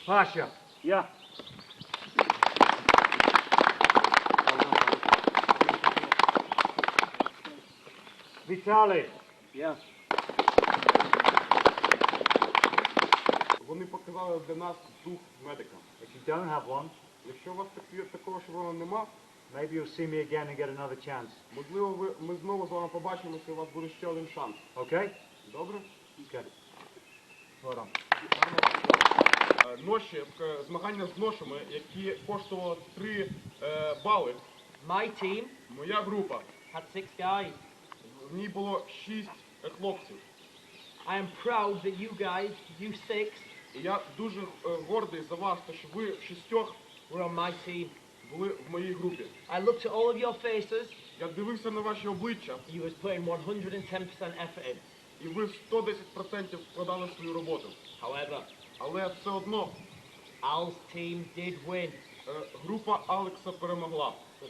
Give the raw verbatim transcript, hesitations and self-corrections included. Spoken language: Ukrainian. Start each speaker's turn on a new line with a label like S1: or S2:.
S1: Pasha.
S2: Yeah.
S1: Vitaly.
S2: Yeah.
S3: Вони показали для нас дух медика.
S1: If you don't have one,
S3: Якщо у вас такі- такого шеврону нема,
S1: maybe you'll see me again and get another chance.
S3: можливо, ви, ми знову з вами побачимося, і у вас буде ще один шанс.
S1: Okay?
S3: Добре?
S1: Good. Well done.
S3: Е, Ноші, е, змагання з ношами, які коштували три е, бали.
S4: My team
S3: Моя група,
S4: had six guys.
S3: в ній було шість е, хлопців.
S4: I am proud that you guys, you six,
S3: І я дуже е, гордий за вас, те, що ви шістьох
S4: were on my team.
S3: були в моїй групі.
S4: I looked at all of your faces.
S3: Я дивився на ваші обличчя,
S4: You was putting one hundred ten percent effort in.
S3: і ви сто десять відсотків вкладали в свою роботу.
S4: However,
S3: Але все одно
S4: Al's team did win.
S3: е, група Алекса перемогла.